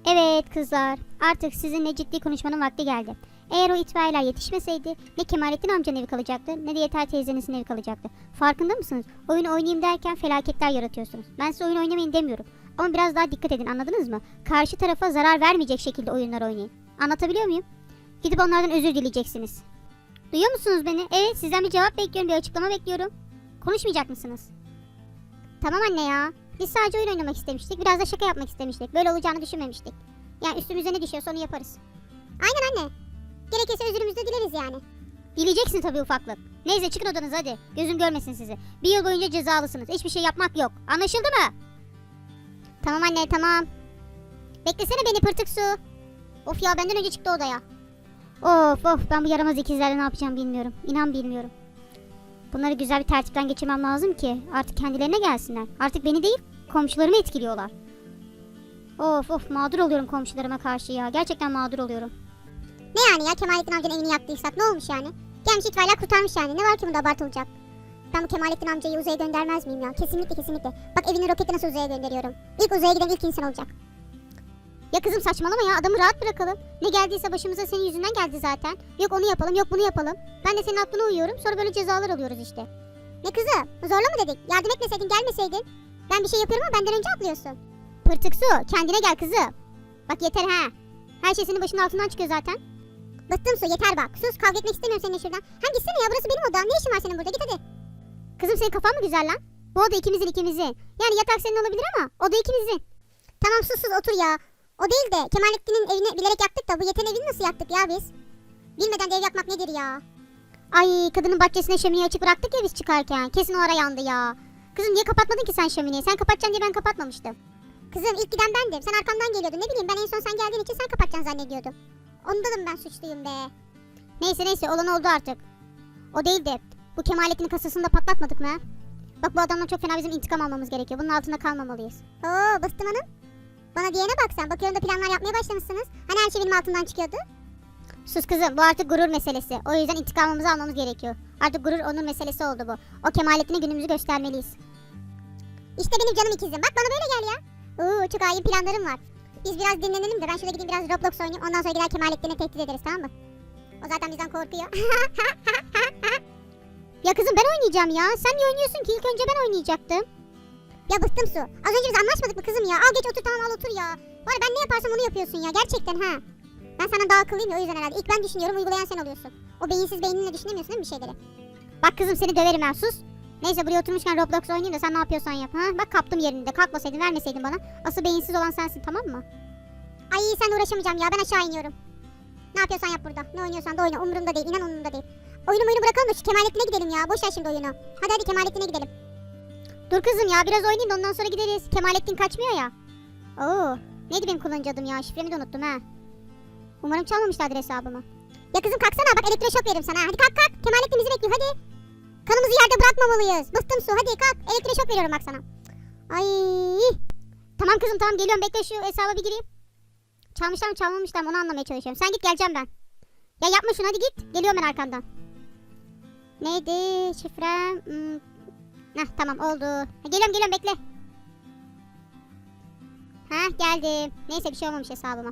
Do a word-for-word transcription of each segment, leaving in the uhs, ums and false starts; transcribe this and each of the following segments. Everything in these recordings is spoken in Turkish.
Evet kızlar, artık sizinle ciddi konuşmanın vakti geldi. Eğer o itfaiyeler yetişmeseydi ne Kemalettin amcanın evi kalacaktı ne de Yeter teyzenizin evi kalacaktı. Farkında mısınız? Oyun oynayayım derken felaketler yaratıyorsunuz. Ben size oyun oynamayın demiyorum. Ama biraz daha dikkat edin, anladınız mı? Karşı tarafa zarar vermeyecek şekilde oyunlar oynayın. Anlatabiliyor muyum? Gidip onlardan özür dileyeceksiniz. Duyuyor musunuz beni? Evet, sizden bir cevap bekliyorum, bir açıklama bekliyorum. Konuşmayacak mısınız? Tamam anne ya. Biz sadece oyun oynamak istemiştik. Biraz da şaka yapmak istemiştik. Böyle olacağını düşünmemiştik. Yani üstümüze ne düşüyorsa onu yaparız. Aynen anne. Gerekirse özürümüzü de dileriz yani. Dileyeceksin tabii ufaklık. Neyse çıkın odanıza hadi. Gözüm görmesin sizi. Bir yıl boyunca cezalısınız. Hiçbir şey yapmak yok. Anlaşıldı mı? Tamam anne tamam. Beklesene beni pırtık su. Of ya, benden önce çıktı odaya. Of of, ben bu yaramaz ikizlerle ne yapacağım bilmiyorum. İnan bilmiyorum. Bunları güzel bir tertipten geçirmem lazım ki artık kendilerine gelsinler. Artık beni değil komşularımı etkiliyorlar. Of of, mağdur oluyorum komşularıma karşı ya. Gerçekten mağdur oluyorum. Ne yani ya, Kemalettin amcanın evini yaktıysak ne olmuş yani? Gelmiş itfaiyeler kurtarmış yani. Ne var ki bunda abartılacak? Ben bu Kemalettin amcayı uzaya göndermez miyim ya? Kesinlikle kesinlikle. Bak evini roketi nasıl uzaya gönderiyorum. İlk uzaya giden ilk insan olacak. Ya kızım saçmalama ya, adamı rahat bırakalım. Ne geldiyse başımıza senin yüzünden geldi zaten. Yok onu yapalım, yok bunu yapalım. Ben de senin aklına uyuyorum, sonra böyle cezalar alıyoruz işte. Ne kızı? Zorla mı dedik? Yardım etmeseydin, gelmeseydin. Ben bir şey yapıyorum ama benden önce atlıyorsun. Pırtık su, kendine gel kızım. Bak yeter ha. Her şey senin başının altından çıkıyor zaten. Bıktım su, yeter bak. Sus, kavga etmek istemiyorum seninle şuradan. Hem gitsene ya, burası benim odam. Ne işin var senin burada? Git hadi. Kızım senin kafan mı güzel lan? Bu oda ikimizin ikimizin. Yani yatak senin olabilir ama oda ikimizin. Tamam sus sus otur ya. O değil de Kemalettin'in evini bilerek yaktık da bu Yeter'in evini nasıl yaktık ya biz? Bilmeden de ev yakmak nedir ya? Ay, kadının bahçesine şömineyi açık bıraktık ya biz çıkarken. Kesin o ara yandı ya. Kızım niye kapatmadın ki sen şömineyi? Sen kapatacaksın diye ben kapatmamıştım. Kızım ilk giden bendim. Sen arkamdan geliyordun. Ne bileyim, ben en son sen geldiğin için sen kapatacaksın zannediyordum. Ondanım ben suçluyum be. Neyse neyse, olan oldu artık. O değil de bu Kemalettin'in kasasını da patlatmadık mı? Bak bu adamdan çok fena bizim intikam almamız gerekiyor. Bunun altında kalmamalıyız. Oo Bıstım Hanım. Bana diyene bak sen. Bakıyorum da planlar yapmaya başlamışsınız. Hani her şey benim altından çıkıyordu. Sus kızım, bu artık gurur meselesi. O yüzden intikamımızı almamız gerekiyor. Artık gurur onur meselesi oldu bu. O Kemalettin'e günümüzü göstermeliyiz. İşte benim canım ikizim. Bak bana böyle gel ya. Oo çok hain planlarım var. Biz biraz dinlenelim de ben şurada gideyim biraz Roblox oynayayım. Ondan sonra gider Kemalettin'e tehdit ederiz, tamam mı? O zaten bizden korkuyor. Ya kızım ben oynayacağım ya. Sen niye oynuyorsun ki? İlk önce ben oynayacaktım. Ya bıktım su. Az önce biz anlaşmadık mı kızım ya? Al geç otur, tamam al otur ya. Var ben ne yaparsam onu yapıyorsun ya. Gerçekten ha. Ben sana daha akıllıyım ya, o yüzden herhalde. İlk ben düşünüyorum, uygulayan sen oluyorsun. O beyinsiz beyninle düşünemiyorsun değil mi bir şeyleri? Bak kızım seni döverim ben, sus. Neyse buraya oturmuşken Roblox oynayayım da sen ne yapıyorsan yap. Ha? Bak kaptım yerinde. Kalkmasaydın, vermeseydin bana. Asıl beyinsiz olan sensin, tamam mı? Ay sen uğraşamayacağım ya, ben aşağı iniyorum. Ne yapıyorsan yap burada. Ne oynuyorsan da oyna, umurumda değil, inan umurumda değil. Oyunu oyunu bırakalım da şu Kemalettin'e gidelim ya. Boş ver şimdi oyunu. Hadi hadi Kemalettin'e gidelim. Dur kızım ya, biraz oynayayım da ondan sonra gideriz. Kemalettin kaçmıyor ya. Oo, neydi benim kullanıcı adım ya? Şifremi de unuttum ha. Umarım çalmamışlardır hesabımı. Ya kızım kalksana, bak elektroşok veririm sana. Hadi kalk kalk. Kemalettin bizi bekliyor, hadi. Kanımızı yerde bırakmamalıyız. Bıktım su, hadi kalk. Elektroşok veriyorum bak sana. Ay. Tamam kızım tamam, geliyorum, bekle şu hesaba bir gireyim. Çalmışlar mı çalmamışlar mı onu anlamaya çalışıyorum. Sen git, geleceğim ben. Ya yapma şunu, hadi git. Geliyorum ben arkandan. Neydi şifrem? Hmm. Heh tamam oldu. Ha, geliyorum geliyorum bekle. Heh geldim. Neyse bir şey olmamış hesabıma.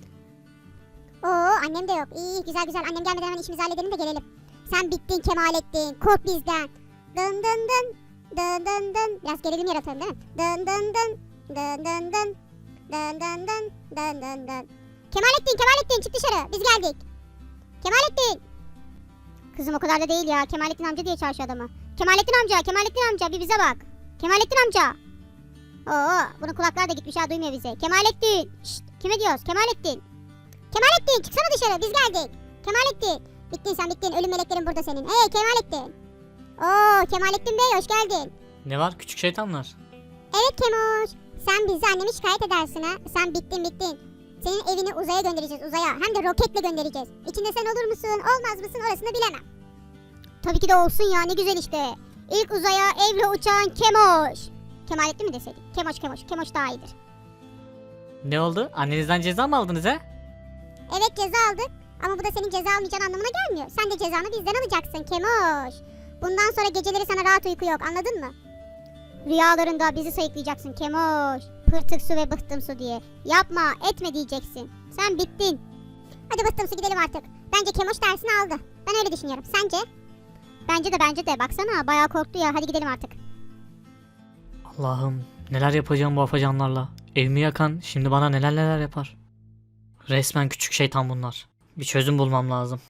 Oo annem de yok. İyi güzel güzel, annem gelmeden hemen işimizi halledelim de gelelim. Sen bittin Kemalettin. Kork bizden. Dın dın dın. Dın dın dın. Biraz gerilim yaratalım değil mi? Dın dın dın. Dın dın dın. Dın dın dın. Dın dın dın. Kemalettin Kemalettin çık dışarı. Biz geldik. Kemalettin. Kızım o kadar da değil ya. Kemalettin amca diye çağırıyor adamı. Kemalettin amca, Kemalettin amca bir bize bak. Kemalettin amca. Oo, bunun kulakları da gitmiş ha, duymuyor bizi. Kemalettin. Şşt, kime diyoruz? Kemalettin. Kemalettin çıksana dışarı, biz geldik. Kemalettin. Bittin sen bittin, ölüm meleklerin burada senin. Hey Kemalettin. Oo Kemalettin Bey hoş geldin. Ne var küçük şeytanlar? Evet Kemoş. Sen bizi anneme şikayet edersin ha. Sen bittin bittin. Senin evini uzaya göndereceğiz, uzaya. Hem de roketle göndereceğiz. İçinde sen olur musun olmaz mısın orasını bilemem. Tabii ki de olsun ya, ne güzel işte. İlk uzaya evle uçan Kemoş. Kemalettin mi deseydik? Kemoş Kemoş. Kemoş daha iyidir. Ne oldu? Annenizden ceza mı aldınız he? Evet ceza aldık. Ama bu da senin ceza almayacağın anlamına gelmiyor. Sen de cezanı bizden alacaksın Kemoş. Bundan sonra geceleri sana rahat uyku yok, anladın mı? Rüyalarında bizi sayıklayacaksın Kemoş. pırtık su ve bıhtım su diye. Yapma etme diyeceksin. Sen bittin. Hadi bıktım su gidelim artık. Bence Kemoş dersini aldı. Ben öyle düşünüyorum. Sence? Bence de bence de baksana bayağı korktu ya, hadi gidelim artık. Allah'ım neler yapacağım bu afacanlarla. Evimi yakan şimdi bana neler neler yapar. Resmen küçük şeytan bunlar. Bir çözüm bulmam lazım.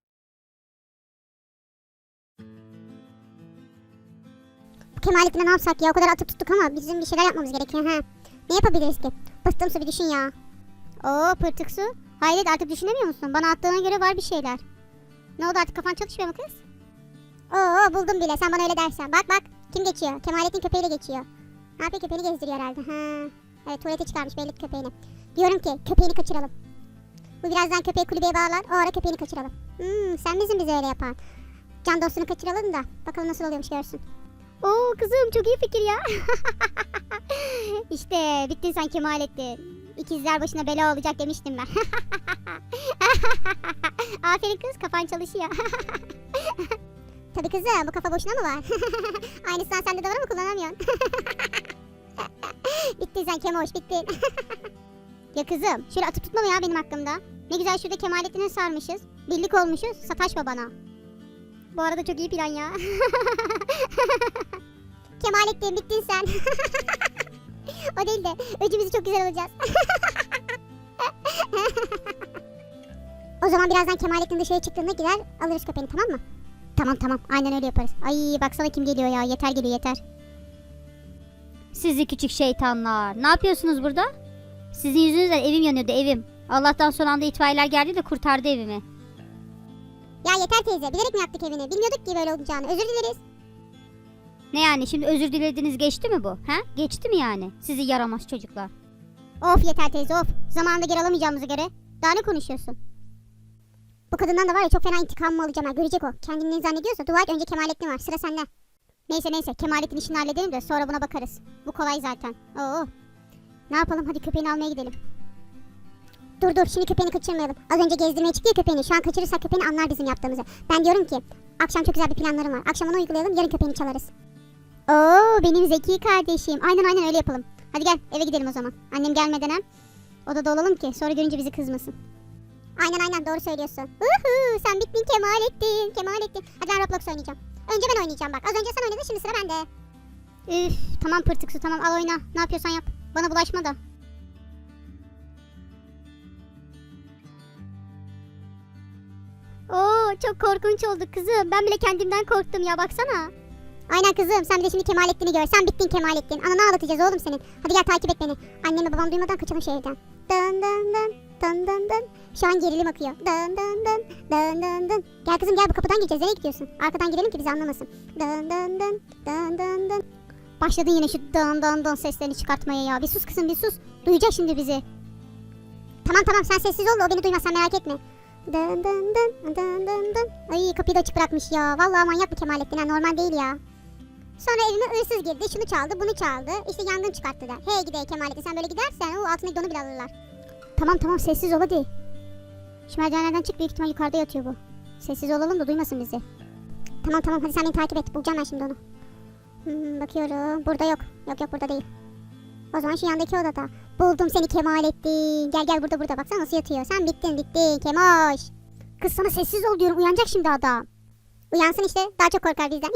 Bu Kemalettin'e ne yapsak ya? O kadar atıp tuttuk ama bizim bir şeyler yapmamız gerekiyor. Ha. Ne yapabiliriz ki? Bıktım su bir düşün ya. Oo pırtık su. Hayret artık düşünemiyor musun? Bana attığına göre var bir şeyler. Ne oldu artık, kafan çalışmıyor mu kız? Oo buldum bile, sen bana öyle dersen. Bak bak, kim geçiyor? Kemalettin köpeğiyle geçiyor. Ne yapıyor, köpeğini gezdiriyor herhalde. Ha. Evet, tuvalete çıkarmış belli ki köpeğini. Diyorum ki köpeğini kaçıralım. Bu birazdan köpeği kulübeye bağlar, o ara köpeğini kaçıralım. Hmm, sen misin bize öyle yapan? Can dostunu kaçıralım da bakalım nasıl oluyormuş görsün. Oo kızım çok iyi fikir ya. İşte bittin sen Kemalettin. İkizler başına bela olacak demiştim ben. Aferin kız, kafan çalışıyor. Tabii kızım, bu kafa boşuna mı var? Aynısından sende de var ama kullanamıyorsun. Bittin sen Kemoş, bittin. Ya kızım şöyle atıp tutma ya benim hakkımda. Ne güzel şurada Kemalettin'e sarmışız. Birlik olmuşuz, sataşma bana. Bu arada çok iyi plan ya. Kemalettin bittin sen. O değil de öcümüzü çok güzel alacağız. O zaman birazdan Kemalettin dışarı çıktığında gider alırız köpeğini, tamam mı? Tamam tamam aynen öyle yaparız. Ay baksana kim geliyor ya, yeter geliyor yeter. Sizi küçük şeytanlar, ne yapıyorsunuz burada? Sizin yüzünüzden evim yanıyordu, evim. Allah'tan son anda itfaiyeler geldi de kurtardı evimi. Ya yeter teyze, bilerek mi yaktık evini? Bilmiyorduk ki böyle olacağını, özür dileriz. Ne yani şimdi özür dilediniz, geçti mi bu? He? Geçti mi yani? Sizi yaramaz çocuklar. Of yeter teyze of. Zamanında geri alamayacağımıza göre. Daha ne konuşuyorsun? Bu kadından da var ya, çok fena intikamımı alacağım ha, görecek o. Kendini zannediyorsa dua et, önce Kemalettin var, sıra sende. Neyse neyse Kemalettin işini halledelim de sonra buna bakarız. Bu kolay zaten. Oo. Ne yapalım, hadi köpeğini almaya gidelim. Dur dur, şimdi köpeğini kaçırmayalım. Az önce gezdirmeye çıktı ya köpeğini, şu an kaçırırsak köpeğini anlar bizim yaptığımızı. Ben diyorum ki akşam çok güzel bir planlarım var. Akşam onu uygulayalım, yarın köpeğini çalarız. Oo benim zeki kardeşim. Aynen aynen öyle yapalım. Hadi gel eve gidelim o zaman. Annem gelmeden hem odada olalım ki sonra görünce bizi kızmasın. Aynen aynen, doğru söylüyorsun. Uhu, sen bittin Kemalettin, Kemalettin. Hadi ben Roblox oynayacağım. Önce ben oynayacağım bak. Az önce sen oynadın, şimdi sıra bende. Üf tamam pırtık su, tamam al oyna. Ne yapıyorsan yap. Bana bulaşma da. Oo çok korkunç oldu kızım. Ben bile kendimden korktum ya, baksana. Aynen kızım, sen bir de şimdi Kemalettin'i gör. Sen bittin Kemalettin. Ananı ağlatacağız oğlum senin. Hadi gel takip et beni. Annemle babam duymadan kaçalım şu evden. Dın dın dın dın dın dın. Şu an gerilim akıyor. Dın dın dın dın dın dın. Gel kızım gel, bu kapıdan gireceğiz. Nereye gidiyorsun? Arkadan girelim ki bizi anlamasın. Dın dın dın dın dın dın. Başladın yine şu dın dın dın seslerini çıkartmaya ya. Bir sus kızım bir sus. Duyacak şimdi bizi. Tamam tamam, sen sessiz ol da o beni duymaz, sen merak etme. Dın dın dın dın dın dın. Ay kapıyı da açık bırakmış ya. Vallahi manyak bu Kemalettin ha, normal değil ya. Sonra evime hırsız girdi, şunu çaldı, bunu çaldı. İşte yangın çıkarttı der. Hey gide Kemalettin, sen böyle gidersen o altındaki donu bile alırlar. Tamam tamam sessiz ol hadi. Şu merdivenlerden çık, büyük ihtimal yukarıda yatıyor bu. Sessiz olalım da duymasın bizi. Tamam tamam, hadi sen beni takip et, bulacağım ben şimdi onu. Hmm, bakıyorum, burada yok. Yok yok, burada değil. O zaman şu yandaki odada. Buldum seni Kemalettin. Gel gel, burada burada, baksana nasıl yatıyor. Sen bittin bittin Kemoş. Kız sana sessiz ol diyorum, uyanacak şimdi adam. Uyansın işte, daha çok korkar bizden.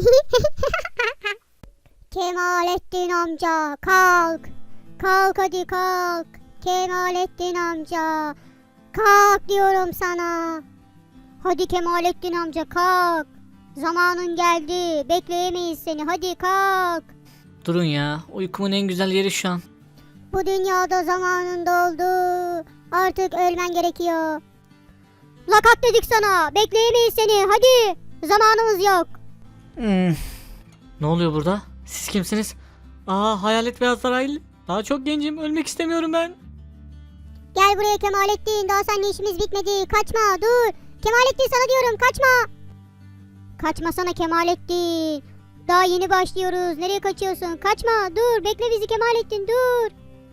Kemalettin amca kalk. Kalk hadi kalk. Kemalettin amca. Kalk diyorum sana. Hadi Kemalettin amca kalk. Zamanın geldi. Bekleyemeyiz seni. Hadi kalk. Durun ya, uykumun en güzel yeri şu an. Bu dünyada zamanın doldu. Artık ölmen gerekiyor. La kalk dedik sana. Bekleyemeyiz seni. Hadi. Zamanımız yok. Hmm. Ne oluyor burada? Siz kimsiniz? Aa, hayalet ve Azrail. Daha çok gencim, ölmek istemiyorum ben. Gel buraya Kemalettin. Daha seninle işimiz bitmedi. Kaçma dur. Kemalettin sana diyorum, kaçma. Kaçmasana Kemalettin. Daha yeni başlıyoruz. Nereye kaçıyorsun? Kaçma dur. Bekle bizi Kemalettin, dur.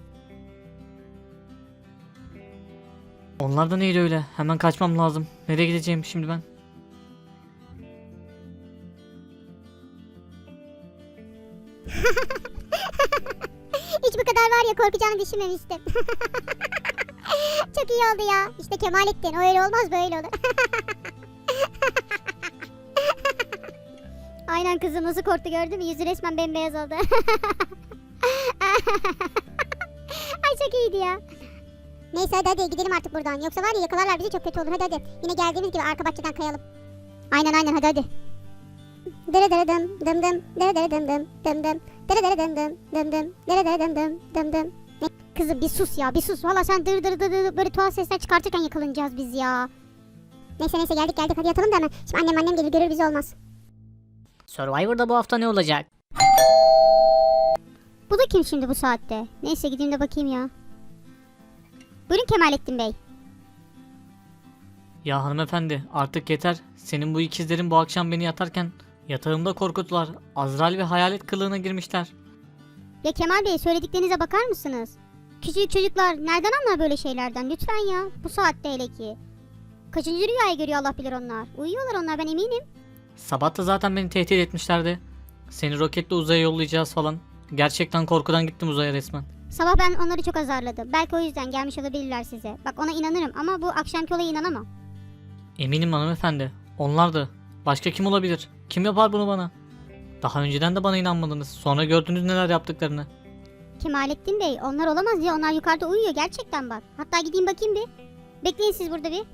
Onlar da neydi öyle? Hemen kaçmam lazım. Nereye gideceğim şimdi ben? Hiç bu kadar var ya korkacağını düşünmemiştim. Çok iyi oldu ya. İşte Kemalettin. O öyle olmaz, böyle olur. Aynen kızım, nasıl korktu gördün mü? Yüzü resmen bembeyaz oldu. Ay çok iyiydi ya. Neyse hadi hadi gidelim artık buradan. Yoksa var ya yakalarlar bizi, çok kötü olur. Hadi hadi. Yine geldiğimiz gibi arka bahçeden kayalım. Aynen aynen, hadi hadi. Dırı dırı dım dım dım. Dırı dırı dım dım dım dım. Dırı dırı dım dım dım dım. Dırı dırı dım dım dım dım. Kızım bir sus ya, bir sus. Valla sen dır dır dır dır böyle tuhaf sesler çıkartırken yakalanacağız biz ya. Neyse neyse geldik geldik, hadi yatalım da hemen. Şimdi annem annem gelir görür bizi, olmaz. Survivor'da bu hafta ne olacak? Bu da kim şimdi bu saatte? Neyse gideyim de bakayım ya. Buyurun Kemalettin Bey. Ya hanımefendi artık yeter. Senin bu ikizlerin bu akşam beni yatarken yatağımda korkuttular. Azrail ve hayalet kılığına girmişler. Ya Kemal Bey, söylediklerinize bakar mısınız? Küçücük çocuklar nereden anlar böyle şeylerden? Lütfen ya. Bu saatte hele ki. Kaçıncı rüyayı görüyor Allah bilir onlar. Uyuyorlar onlar, ben eminim. Sabah da zaten beni tehdit etmişlerdi. Seni roketle uzaya yollayacağız falan. Gerçekten korkudan gittim uzaya resmen. Sabah ben onları çok azarladım. Belki o yüzden gelmiş olabilirler size. Bak ona inanırım ama bu akşamki olaya inanamam. Eminim hanımefendi. Onlardı. Başka kim olabilir? Kim yapar bunu bana? Daha önceden de bana inanmadınız. Sonra gördünüz neler yaptıklarını. Kemalettin Bey, onlar olamaz ya. Onlar yukarıda uyuyor gerçekten bak. Hatta gideyim bakayım bir. Bekleyin siz burada bir.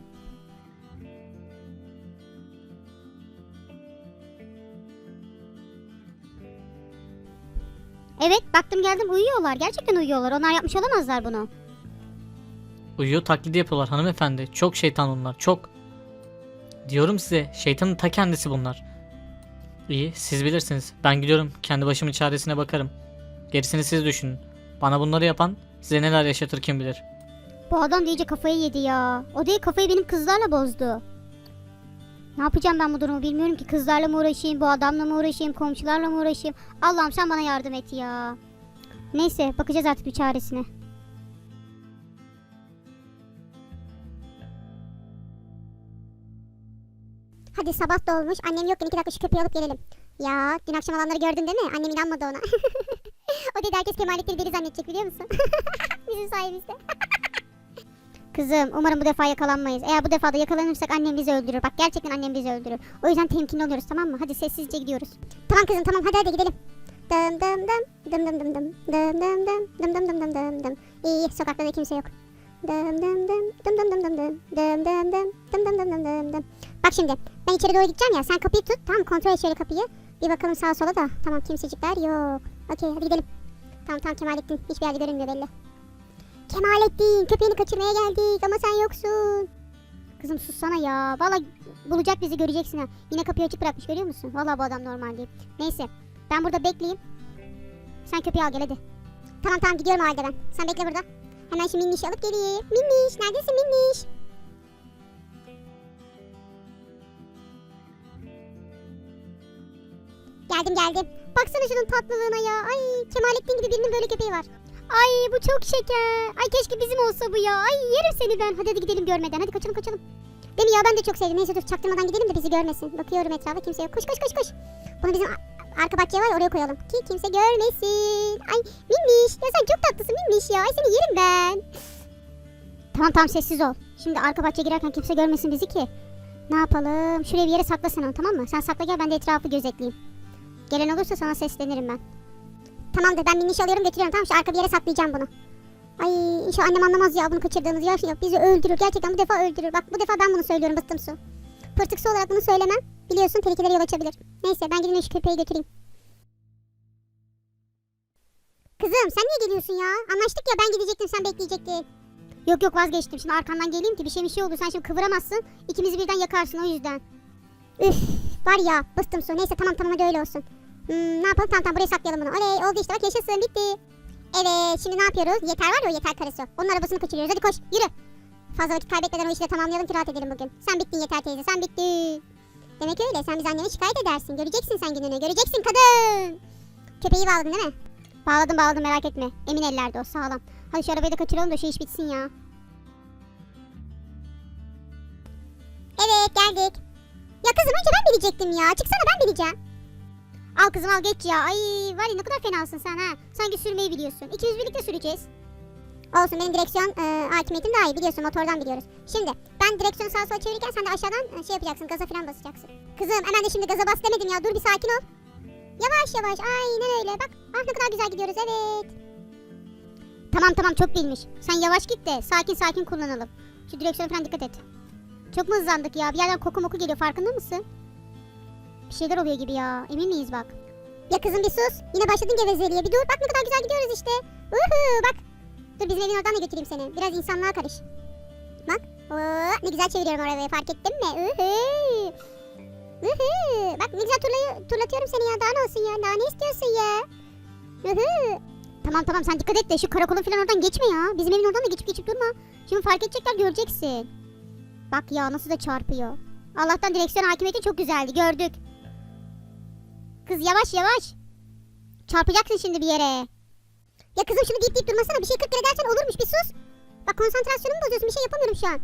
Evet, baktım geldim, uyuyorlar. Gerçekten uyuyorlar. Onlar yapmış olamazlar bunu. Uyuyor taklidi yapıyorlar hanımefendi. Çok şeytan onlar. Çok. Diyorum size, şeytanın ta kendisi bunlar. İyi, siz bilirsiniz. Ben gidiyorum. Kendi başımın çaresine bakarım. Gerisini siz düşünün. Bana bunları yapan size neler yaşatır kim bilir. Bu adam da iyice kafayı yedi ya. O değil, kafayı benim kızlarla bozdu. Ne yapacağım ben bu durumu bilmiyorum ki. Kızlarla mı uğraşayım, bu adamla mı uğraşayım, komşularla mı uğraşayım. Allah'ım sen bana yardım et ya. Neyse, bakacağız artık bir çaresine. Hadi sabah da olmuş. Annem yokken iki dakika şu köpeği alıp gelelim. Ya dün akşam olanları gördün değil mi? Annem inanmadı ona. O dedi herkes Kemalettin'i deli zannedecek, biliyor musun? Bizim sayemizde. Kızım, umarım bu defa yakalanmayız. Eğer bu defa da yakalanırsak annem bizi öldürür. Bak gerçekten annem bizi öldürür. O yüzden temkinli oluyoruz, tamam mı? Hadi sessizce gidiyoruz. Tamam kızım tamam, hadi hadi gidelim. Dım dım dım dım dım dım dım dım dım dım dım dım dım dım dım dım. İyi, sokakta da kimse yok. Dım dım dım dım dım dım dım dım dım dım dım dım dım dım dım dım dım. Bak şimdi ben içeri doğru gideceğim ya, sen kapıyı tut, tamam, kontrol et şöyle kapıyı. Bir bakalım sağa sola da, tamam, kimsecikler yok. Okey hadi gidelim. Tamam tamam, Kemalettin hiçbir yerde görünmüyor belli. Kemalettin, köpeğini kaçırmaya geldik ama sen yoksun. Kızım sussana ya. Valla bulacak bizi, göreceksin ha. Yine kapıyı açık bırakmış, görüyor musun? Valla bu adam normal değil. Neyse, ben burada bekleyeyim. Sen köpeği al gel hadi. Tamam tamam, gidiyorum o halde ben. Sen bekle burada. Hemen şu Minniş'i alıp geleyim. Minniş, neredesin Minniş? Geldim geldim. Baksana şunun tatlılığına ya. Ay, Kemalettin gibi birinin böyle köpeği var. Ay bu çok şeker. Ay keşke bizim olsa bu ya. Ay yerim seni ben. Hadi hadi gidelim görmeden. Hadi kaçalım kaçalım. Değil mi ya, ben de çok sevdim. Neyse dur, çaktırmadan gidelim de bizi görmesin. Bakıyorum etrafa, kimse yok. Koş koş koş koş. Bunu bizim arka bahçeye var ya, oraya koyalım ki kimse görmesin. Ay Minniş, ya sen çok tatlısın Minniş ya. Ay seni yerim ben. Tamam tamam, sessiz ol. Şimdi arka bahçeye girerken kimse görmesin bizi ki. Ne yapalım? Şuraya bir yere saklasana onu, tamam mı? Sen sakla gel, ben de etrafı gözetleyeyim. Gelen olursa sana seslenirim ben. Tamamdır, ben Minniş'i alıyorum götürüyorum, tamam, şu arka bir yere saklayacağım bunu. Ay inşallah annem anlamaz ya bunu kaçırdığımız ya. Ya bizi öldürür, gerçekten bu defa öldürür. Bak bu defa ben bunu söylüyorum, bıktım su. Pırtık su olarak bunu söylemem. Biliyorsun tehlikelere yol açabilir. Neyse ben gideyim şu köpeği götüreyim. Kızım sen niye geliyorsun ya? Anlaştık ya, ben gidecektim sen bekleyecektin. Yok yok, vazgeçtim. Şimdi arkandan geleyim ki bir şey bir şey oldu. Sen şimdi kıvıramazsın. İkimizi birden yakarsın, o yüzden. Üf var ya, bıktım su. Neyse tamam tamam, hadi öyle olsun. Hmm, ne yapalım, tamam tamam, buraya saklayalım bunu. Oley oldu işte, bak yaşasın, bitti. Evet şimdi ne yapıyoruz? Yeter var ya, o yeter karısı. Onun arabasını kaçırıyoruz, hadi koş yürü. Fazla vakit kaybetmeden o işi de tamamlayalım ki rahat edelim bugün. Sen bittin yeter teyze, sen bittin. Demek öyle, sen biz annene şikayet edersin. Göreceksin sen gününü, göreceksin kadın. Köpeği bağladın değil mi? Bağladım bağladım, merak etme. Emin ellerde o, sağlam. Hadi şu arabayı da kaçıralım da şu iş bitsin ya. Evet geldik. Ya kızım önce ben bilecektim ya. Çıksana, ben bileceğim. Al kızım al geç ya. Ay var ya ne kadar fenasın sen ha. Sanki sürmeyi biliyorsun. İkimiz birlikte süreceğiz. Olsun, benim direksiyon e, hakimiyetim daha iyi, biliyorsun, motordan biliyoruz. Şimdi ben direksiyonu sağa sola çevirirken sen de aşağıdan e, şey yapacaksın, gaza falan basacaksın. Kızım hemen de şimdi gaza bas demedim ya, dur bir sakin ol. Yavaş yavaş, aynen öyle, bak ah ne kadar güzel gidiyoruz, evet. Tamam tamam çok bilmiş. Sen yavaş git de sakin sakin kullanalım. Şu direksiyona falan dikkat et. Çok mu hızlandık ya? Bir yerden koku moku geliyor, farkında mısın? Bir şeyler oluyor gibi ya. Emin miyiz bak? Ya kızım bir sus, yine başladın gevezeliğe, bir dur, bak ne kadar güzel gidiyoruz işte. Uhu, bak. Dur bizim evin oradan da götüreyim seni, biraz insanlığa karış. Bak, oo, ne güzel çeviriyorum arabayı, fark ettin mi? Uhu. Uhu. Bak ne güzel turlayı, turlatıyorum seni ya, daha ne olsun ya, daha ne istiyorsun ya? Uhu. Tamam tamam sen dikkat et de şu karakolun falan oradan geçme ya. Bizim evin oradan da geçip geçip durma. Şimdi fark edecekler, göreceksin. Bak ya nasıl da çarpıyor. Allah'tan direksiyon hakimiyeti çok güzeldi, gördük. Kız yavaş yavaş. Çarpacaksın şimdi bir yere. Ya kızım şunu deyip deyip durmasana, bir şey kırk kere dersen olurmuş, bir sus. Bak konsantrasyonumu bozuyorsun, bir şey yapamıyorum şu an.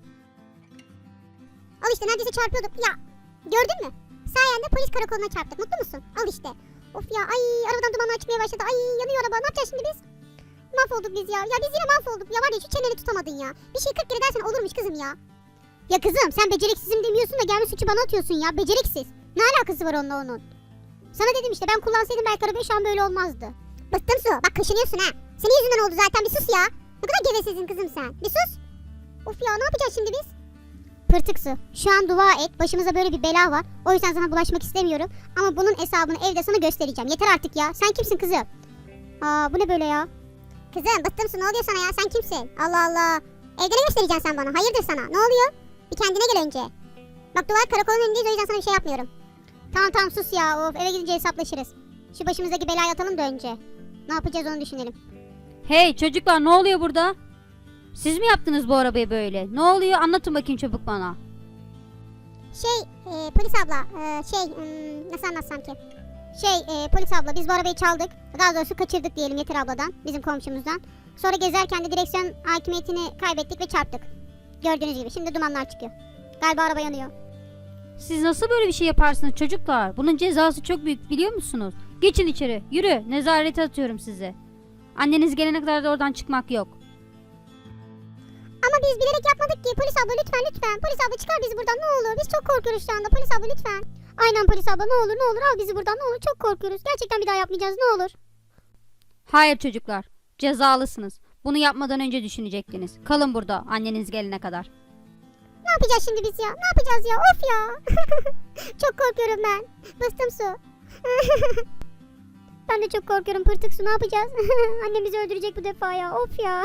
Al işte neredeyse çarpıyorduk ya. Gördün mü? Sayende polis karakoluna çarptık, mutlu musun? Al işte. Of ya, ay arabadan dumanlar çıkmaya başladı, ay yanıyor araba, ne yapacağız şimdi biz? Mahvolduk biz ya, ya biz yine mahvolduk ya, var ya şu çeneni tutamadın ya. Bir şey kırk kere dersen olurmuş kızım ya. Ya kızım sen beceriksizim demiyorsun da gelmiş suçu bana atıyorsun ya, beceriksiz. Ne alakası var onunla onun? Sana dedim işte, ben kullansaydım belki arabayı şu an böyle olmazdı. Bıktım Su, bak kaşınıyorsun ha. Senin yüzünden oldu zaten, bir sus ya. Ne kadar gevesizsin kızım sen, bir sus. Of ya, ne yapacağız şimdi biz? Pırtık su, şu an dua et, başımıza böyle bir bela var. O yüzden sana bulaşmak istemiyorum. Ama bunun hesabını evde sana göstereceğim. Yeter artık ya, sen kimsin kızım? Aa bu ne böyle ya? Kızım bıktım Su, ne oluyor sana ya, sen kimsin? Allah Allah. Evde ne göstereceksin sen bana, hayırdır sana, ne oluyor? Bir kendine gel önce. Bak duvar karakolun önündeyiz, o yüzden sana bir şey yapmıyorum. Tamam tamam sus ya, of eve gidince hesaplaşırız. Şu başımızdaki belayı atalım da önce. Ne yapacağız onu düşünelim. Hey çocuklar, ne oluyor burada? Siz mi yaptınız bu arabayı böyle? Ne oluyor? Anlatın bakayım çabuk bana. Şey e, polis abla e, şey hmm, nasıl anlatsam ki? Şey e, polis abla, biz bu arabayı çaldık. Daha doğrusu kaçırdık diyelim Yeter abladan, bizim komşumuzdan. Sonra gezerken de direksiyon hakimiyetini kaybettik ve çarptık. Gördüğünüz gibi şimdi dumanlar çıkıyor. Galiba araba yanıyor. Siz nasıl böyle bir şey yaparsınız çocuklar? Bunun cezası çok büyük, biliyor musunuz? Geçin içeri, yürü, nezarete atıyorum sizi. Anneniz gelene kadar da oradan çıkmak yok. Ama biz bilerek yapmadık ki, polis abla lütfen lütfen. Polis abla çıkar bizi buradan, ne olur, biz çok korkuyoruz şu anda, polis abla lütfen. Aynen polis abla, ne olur ne olur al bizi buradan, ne olur, çok korkuyoruz. Gerçekten bir daha yapmayacağız, ne olur. Hayır çocuklar, cezalısınız. Bunu yapmadan önce düşünecektiniz. Kalın burada anneniz gelene kadar. Ne yapacağız şimdi biz ya, ne yapacağız ya, of ya. Çok korkuyorum ben, bıstım Su. Ben de çok korkuyorum Pırtık su, ne yapacağız? Annem bizi öldürecek bu defa ya, of ya.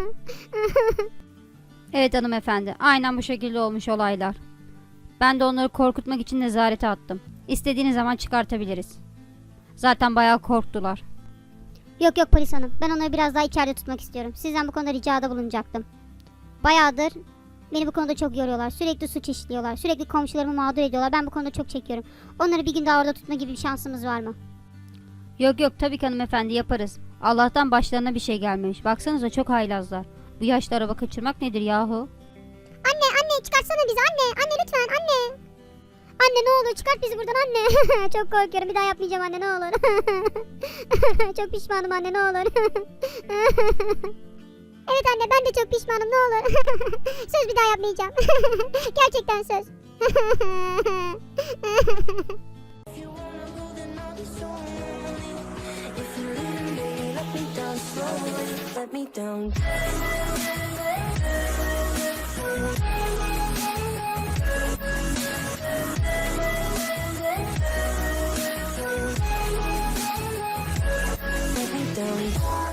Evet hanımefendi, aynen bu şekilde olmuş olaylar. Ben de onları korkutmak için nezarete attım. İstediğiniz zaman çıkartabiliriz. Zaten bayağı korktular. Yok yok polis hanım, ben onları biraz daha içeride tutmak istiyorum. Sizden bu konuda ricada bulunacaktım. Bayağıdır beni bu konuda çok yoruyorlar. Sürekli suç işliyorlar. Sürekli komşularımı mağdur ediyorlar. Ben bu konuda çok çekiyorum. Onları bir gün daha orada tutma gibi bir şansımız var mı? Yok yok, tabii ki hanımefendi, yaparız. Allah'tan başlarına bir şey gelmemiş. Baksanıza çok haylazlar. Bu yaşta araba kaçırmak nedir yahu? Anne anne çıkarsana bizi, anne anne lütfen anne. Anne ne olur çıkart bizi buradan anne. Çok korkuyorum, bir daha yapmayacağım anne, ne olur. Çok pişmanım anne, ne olur. Evet anne, ben de çok pişmanım, ne olur. Söz bir daha yapmayacağım. Gerçekten söz. If you wanna go, then I'll be so lonely. If you leave me, baby, let me down slowly. Let me down. Let me down.